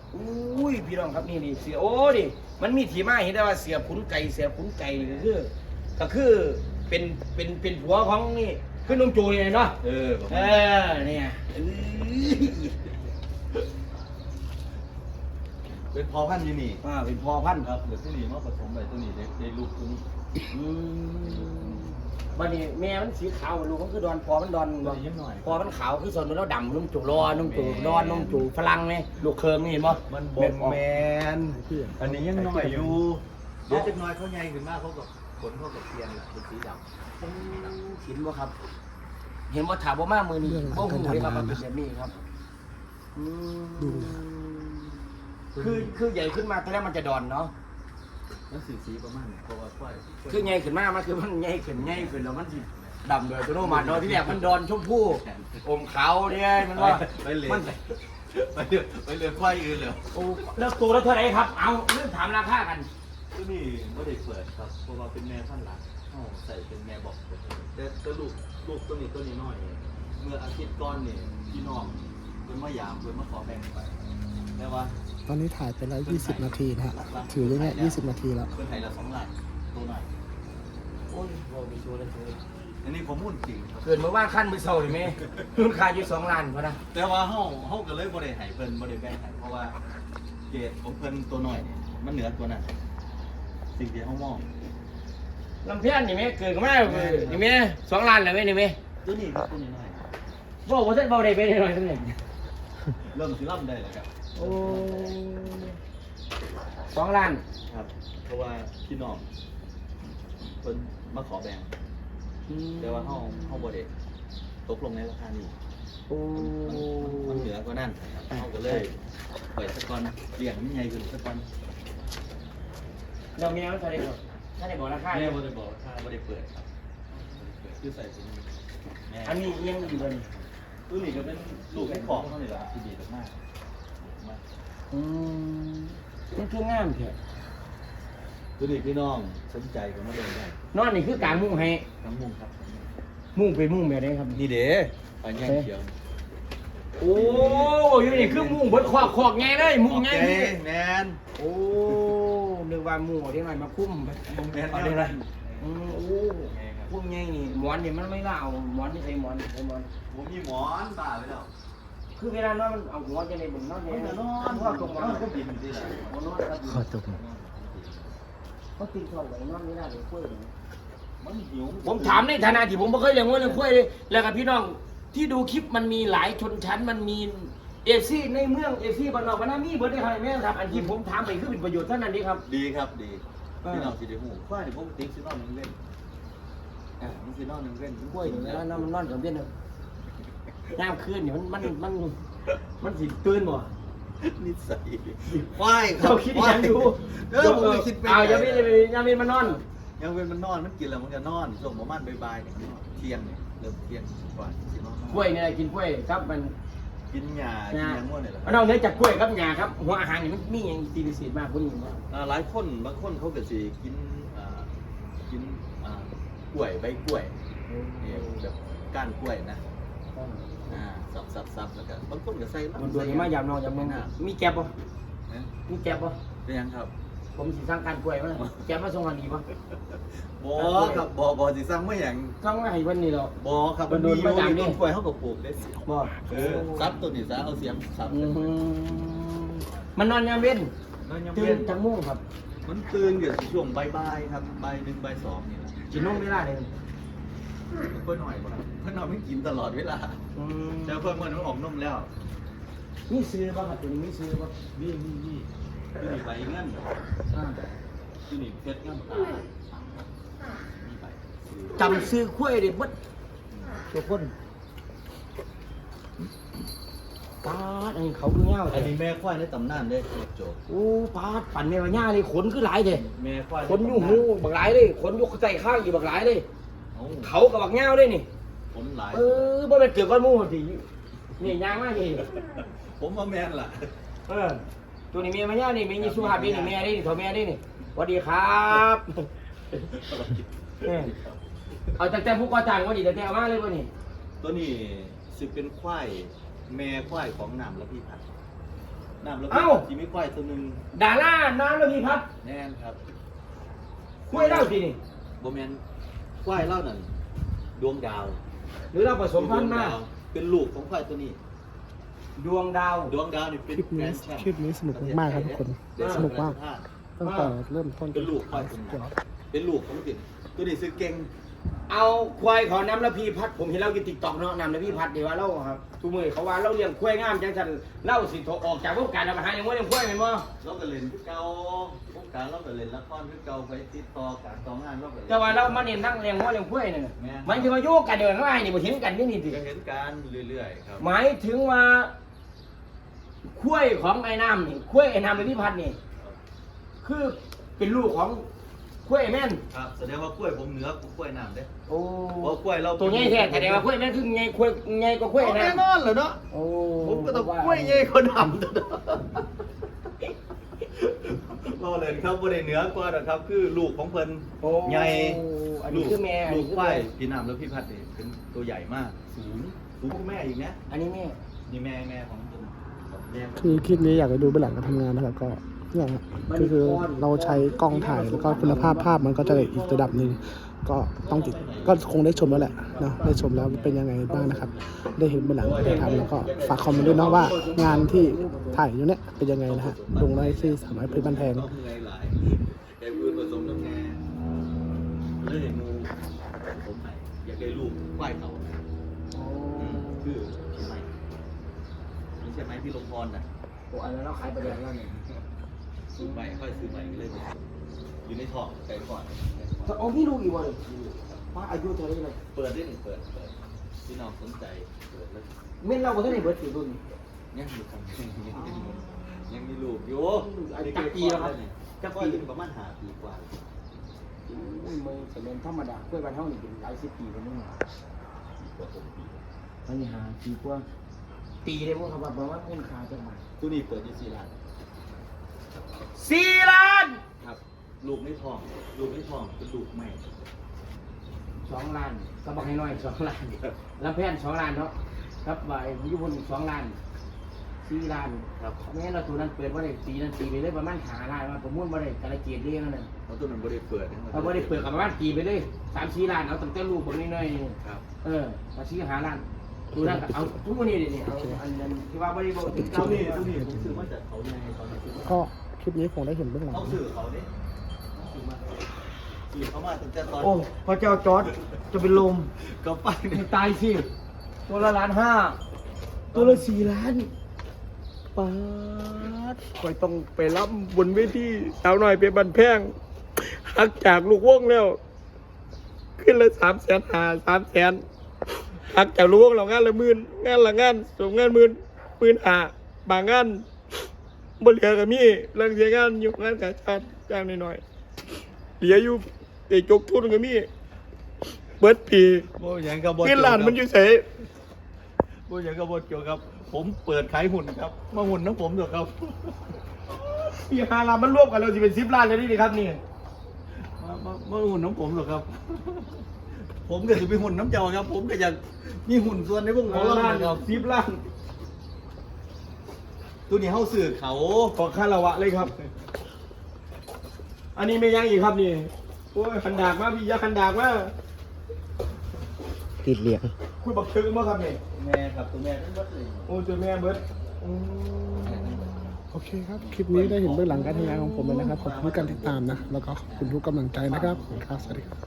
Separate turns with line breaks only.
อุ้ยพี่น้องครับนี่เสียโอ้ดิมันมีที่มาเห็นได้ว่าเสียขุนไก่ก็คือเป็นผัวของนี่คือนุ่มโจยเนาะเนี่ย
เป็นพอพันธุ์ยูนี่
เป็นพอพันธุ์
ครับเดี๋ยวตัวนี้มาผสมไปตัวนี้ได้ลูกตัวนี้
วันนี้แม่มันสีขาวลูกมันคือดอนพอมันดอนพอมันขาวคือส่วนมันแล้วดำนุ่มจูนุ่มจูดอนนุ่มจูฝรั่งไหมลูกเคิงนี่เห็นป่ะ
มันบนแมนอันนี้ยังน้อยอยู่เดี๋ยวจะน้อยเขาใหญ่ขึ้นมากเขากับขนเขากับเทียนเป็นสีดำ
เห็นป่ะครับเห็นว่าถามว่ามากมือนี่ว่าหูเลยครับมันเป็นแบบนี้ครับคือใหญ่ขึ้นมาตอนแรกมันจะดอนเนาะ
มันสีประมาณนี้เพราะว่าค่อย
คือใหญ่ขึ้นมากมันคือมันใหญ่ขึ้นแล้วมันสิดำเลยตัวโนมันเนาะที่แรกมันดอนชมพู่อมขาวเนี่ยมันว่า
ไปเรือควายอื่นเลย
โอ้แล้วตัวละเท่าไหร่ครับเอาเรื่องถามราคากัน
ตัวนี้ไม่ได้เปิดครับเพราะว่าเป็นแม่พันธุ์หลักใส่เป็นแม่บอกแต่ตัวลูกตัวนี้น้อยเมื่ออาทิตย์ก่อนเนี่ยพี่น้องเป็นมะยามเป็นมะขอแบ่งไปแต่ว่า
ตอนนี้ถ่ายไปแล้ว20 นาทีนะฮะถือได้เนี่ย20 นาทีแล้ว
เป็นไทยละ2 ล้านตัวหน่อย
โอ้ยโอ้มีชัวร์เลย
อันนี้ผมพูดจริง
เกิดเมื่อว่างขั้นมือเศร้าเลยไหมรุ่นขายอยู่2 ล้านพอนะ
แต่ว่าเฮาก็เลยบ่ได้ให้เพิ่นบ่ได้แบ่งให้เพราะว่าเกรดของเพิ่นตัวหน่อยมันเหนือตัวนั้นสิ่งที่เฮามอง
ลำเพี้ยนนี่ไหมเกิดก็ไม่นี่ไหม2 ล้านเลยไหมนี่ไหม
ตัวนี้ครับตัวนี้น้อย
บอกว่าเส้นเบาได้ไปหน่อยตัวนี้
เริ่มสิล่ำได้แล้วครับ
โอ้2 ล้าน
ครับเพราะว่าพี่น้องเพิ่นมาขอแบ่งแต่ว่าเฮาบ่ได้ตกลงในราคานี้มันเหนือกว่านั้นเฮาก็เลยเปิดสะก่อนเลี้ยงมันใหญ่ขึ้นสะก่อน
เรามีอะไรก็ได้บอกถ้าได้บอกราคา
แม่บ่ได้บอกราคาบ่ได้เปิดครับคือใส่ตัวนี้
อันนี้ยังอยู่เลย
ตัวนี้ก็เป็นลูกให้ของเท่านี้แหละที่ดีมาก
นี่คืองามเถอะ
ตัวนี้พี่น้องสนใจก็มาเดินได้
นอนนี่คือกลางมุ้งให้
กลางมุ้งครับ
มุ้งเป็นมุ้งแบบนี้ครับ
นี่เด้อันนี้เขียว
โอ้ยนี่คือมุ้งเบิดคอกไงเลยมุ้งไง
แมน
โอ้นึกว่ามุ้งที่ไหนมาคุ้ม
มุ้งแมน
อะไรโอ้คุ้มไงนี่หมอนนี่มันไม่ล่าเอาหมอนที่ใส่หมอน
ผมมีหมอนบ้าไปแล้ว
คือเวลานอนมันเอาหัวจะในบุญนอนเนี่ย
นอนว่าตรงมันก็บินสิล่ะ
นอน
ขอตก
เขาตีช่องไว้นอนไม่ได้เลยกล้วย
มันหิว
ผมถามในฐานะที่ผมไม่เคยเลี้ยงวัวเลี้ยงกล้วยเลยแล้วกับพี่น้องที่ดูคลิปมันมีหลายชนชั้นมันมีเอฟซีในเมืองเอฟซีบ้านนอกบ้านนามีเบิร์ดได้ครับแม่ครับอันที่ผมถามไปคือเป็นประโยชน์เท่านั้นดีครับ
ดีครับดีพี่น้องสิได้หูกล้วยนี่ผมติ๊กซินอนนึงเล่นมันซินอนนึงเล่น
กล้วยนี่แล้วมันนอนกับเบี้ยนึงยามคืนนี่มันสิตื่นบ่
นิสัยควาย
เขาคิดยังอยู่
ผมคิดไป
ยังไม่มานอน
ยังเป็นมันนอนมันกินแล้วมันจะนอนส่งประมาณบ่ายๆเนี่ยเที่ยงเนี่ยเริ่มเที่ยงกว่าสินอน
กล้วยเนี่ยกินกล้วยครับมัน
กินหญ้ากินยังง่วงเนี่ยแหละ
นอกเหนือจากกล้วยครับหญ้าครับหัวอาหารนี่มันมีอย่างตีพิเศษมากคนนี้
หลายคนบางคนเขาก็สิกินกล้วยใบกล้วยเนี่ยแบบก้านกล้วยนะซับแล้วก็บางคนก็ใส่
มันดูนี่มายำนอนยำนอนมีแก็บป่ะมีแก็บป่ะ
เป็นยังครับ
ผมสิสร้างการกล้วยมั้ยแก็บมาส่งอันนี้ป่ะ
บ่ครับบ่สิสร้างไม่อย่าง
สร้างมาให้วันนี้หรอ
บ่ครับมันมีต้นกล้วยเขาก็ปลูกได้
บ่
ซับตัวนี้ซะเอาเสียมซับ
มันนอนยามเว้นตื่นทั้งมุ่งครับ
มันตื่นเดี๋ยวช่วงบ่ายๆครับบ่าย 1 บ่าย 2นี่แหละ
กินนมเวลาเลย
เพื่อนหน่อยบ่เพื่อนนอนไม่กินตลอดเวลาแต่เพื่อนมันออกนมแล้ว
นี่ซื้อป่ะครับตัวนี้ไม่ซื้อป่ะ
นี่คือใบเงินคือนี่เพชรเงินตา
จำซื้อคุ้ยดิบัดตัวคนปาดอันนี้เขาคือเงา
อันนี้แม่ควายในตำนานได้โจ
โอ้ปาดปั่นแม่ว่าเงาเลยขนคือหลายเลย
แม่ควาย
ขนอยู่หูบักหลายเลยขนอยู่ใจข้างอยู่บักหลายเลยเขากับบักเงาเลยนี่
ขนหลาย
บ่เป็นเกิดก้อนมูสินี่ยางมากนี่
ผมว่าแม่นล่ะ
ตัวนี้เมียมาเงานี่มีสุภาพดีนี่เมียได้นี่ถอแม่ได้นี่สวัสดีครับเอาแต่ผู้ก่อจ้างว่าดีแต่เอามาเลยว่านี่
ตัวนี้สิเป็นควายแม่ควายของน้ำและพี่พัดน้ำแล้ว
เอ้า
ที่มีควายตัวหนึง
ดาราน้ำระพีพัฒน์
แน่นครับ
คุยเล่าสินี่
บ่แม่นควายเล่านั่นดวงดาว
หรือเราผสมพันธุ์มา
ดวงดาวเป็นลูกของควายตัวนี้
ดวงดาว
ดวงดาวนี่เป็น
คลิป
แกร
นี้
นด์แชมป์
คลิปนี้สนุกมากๆครับทุกคน สนุกมากตั้งแต่เริ่มต้นจ
เป็น
น
ลูกควายตัวนี้เป็นลูกของติดตัวนี้ซื้อเก่ง
เอาควายของน้ำระพีพัฒน์ผมเห็นเล่ากินติ๊กต็อกเนาะน้ำระพีพัฒน์ดีว่าเล่าครับทุกมือเขาว่าเล่าเลี้ยงควายงามจังสันเล่าสิโถออกจากวงการเรามาหาอย่างว่าเลี้ยงควายไหมมั้ง
เราก็เล่นคือเก่าวงการเราก็เล่นละครคือเก่าไปติดต่อการต่องานเราก็เล่น
แต่ว่าเรามาเน้นทั้งเลี้ยงวัวเลี้ยงควายเนี่ย
แม่น
หมายถึงว่าโยกกันเดินเข้าไปนี่บ่เห็นกันนี่นี่สิ
ก็เห็นการเรื่อยๆครับ
หมายถึงว่าควายของไอ้น้ำนี่ควายไอ้น้ำระพีพัฒน์นี่คือเป็นลูกของควายแม่น
ครับแสดงว่ากล้วยผมเหนือกล้วยน้ำเด้
โอ้
เพราะกล้วยเรา
ตัวใหญ่แท้แสดงว่าควายแม่นคือใหญ่ควายใหญ่กว่าควาย
เอา
นะ
แน่นอนเหรอเนาะ
โอ้
ผมก็ต้องกล้วยใหญ่คนดำเราเล่นครับบ่ได้เหนือกว่าหรอกครับ คือลูกของเพิ่น
โอ้
ใหญ่
อันนี้คือแม่อัน
ลู
นี้
ก
คือ
ควา
แม่
ยพี่น้ำแล้วพี่พัดเนี่ยเป็นตัวใหญ่มากสูงกว่าแม่อีกนะ
อันนี้แม่
นี่แม่ของผมแม่
คือคลิปนี้อยากให้ดูเบื้องหลังการทำงานนะครับก็เนี่ยฮะก็คือเราใช้กล้องถ่ายแล้วก็คุณภาพภาพมันก็จะได้อีกระดับหนึ่งก็ต้องติดก็คงได้ชมแล้วแหละเนาะได้ชมแล้วเป็นยังไงบ้างนะครับ ได้เห็นเบื้องหลังการทำแล้วก็ฝากคอมเมนต์ด้วยเนาะว่างานที่ถ่ายอยู่เนี่ยเป็นยังไงนะฮะลงได้ที่สามารถเพชรบันแพง
ก็เหนื่อยหลายแกพูดผสมน้ำแง่เลยมูผมใหม่อยากได้ลูกควายเขาคือพี่ใหม่ไม่ใช่ไหมพี่ลงพรน่ะ
โอ้อันนั้นเราขายประเดี๋ยวแล้วเนี่ย
ซื้อใหม่ค่อยซื้อใหม่ก็เลยอยู่ในท้องไก่ก่อน
โอ้พี่ดูอีกวันว่าอายุเท่าไหร่เลย
เปิดได้หนึ่งเปิดพี่น้องสนใจเปิดแล้ว
เม่นเราบ่ทันได้เบิดสิรุ่น
ยังมีคนยังมีลูกอยู่
จักปีแล้วครับ
จักปีประมาณ5 ปีกว่า
อุ้ยมือจะเป็นธรรมดากล้วยบ้านเฮานี่เป็นหลายสิบปีแล้วนึง
กว่า6 ปี
อันนี้หาปีกว่าตีได้บ่ครับว่าประมาณเงินค่าจังหวัด
ตัวนี้เปิดที่4 ล้าน
4 ล้าน
ครับ ลูกไม่ท้องเป็นลูกใหม่
2 ล้านก็บอกให้น้อย2 ล้านลำแพน2 ล้านเนาะครับว่าไอ้ยุพล2 ล้าน4 ล้าน
ครับ
แม่เราตัวนั้นเปิดบ่ได้ปีนั้นปีไปเลยประมาณ5 ล้านมาประมูลบ่ได้กระเกียดเรียนนั่นน่ะ
เพราะตัวนั้นบ่ได้เปิดนะ
เอาบ่ได้เปิดกับประมาณปีไปเลย3-4 ล้านเอาตั้งแต่ลูกบ่น้อยๆ
ครับ
มาชี้หาร้านดูนั่นเอาทุกวันนี้นี่เอาอันนั้นที่ว่าบริบทถึง
ตั
เก้าว
นี้
นี่
ตัวนี้ผมซื้อมาจากเขาใหญ่ตอนนี้ซื้อมา
ก็คลิปนี้คงได้เห็นเบื้องหลัง
เขาซื้อเขาเนี่ยซื้อมาซื้อเขามาตั้งแต่ตอน
โอ้พระเจ้าจอร์ดจะเป็นลม
ก็ไป
ให้ตายสิตัวละ1.5 ตัวละ4 ล้านป๊าดคอยต้องไปรับบนเวทีสาวหน่อยเป็นบันแพงหักจากลูกวงแล้ว ขึ้นเลย300,000 หักจากลูกวงเรางานละ10,000งานละงานส่งงาน15,000บางงานบ่เหลือก็มีเรื่องเสียงานอยู่งานกาชาดจ้างหน่อยๆเหลืออยู่ไอ้จกทุนก็มีเบิดปี
โอ้ยังกับบ
เงินล้านมันอยู่ไส
โอ้ยังกับบเกี่ยวกับ ผมเปิดขายหุ่นครับ มาหุ่นน้ำผมเถอะครับ
ปี5ล้านมันรวมกันแล้วสิเป็น10 ล้านแล้วนี่ครับนี่
มาหุ่นน้ำผมเถอะครับ ผมก็จะไปหุ่นน้ำเจ้าครับ ผมก็อยากมีหุ่นส่วนในพวกของเรา
ล้าน
นะครับ
10 ล้าน
ตัวนี้เข้าสื่อเขา
ขอคารวะเลยครับ อันนี้ไม่ยังอีกครับนี่โอ้ยคันดากมาพี่อยาคันดากมา
ติดเหลียง
คุยบักเชิงมาครับนี่
แม่ครับตัวแม่ทั้งหมดเลย
โอ้เจอแม่เบิร์ด
โอเคครับคลิปนี้ได้เห็นเบื้องหลังการทำงานของผมเลยนะครับขอบคุณทุกการติดตามนะแล้วก็ขอบคุณทุกกำลังใจนะครับขอบคุณครับสวัสดีครับ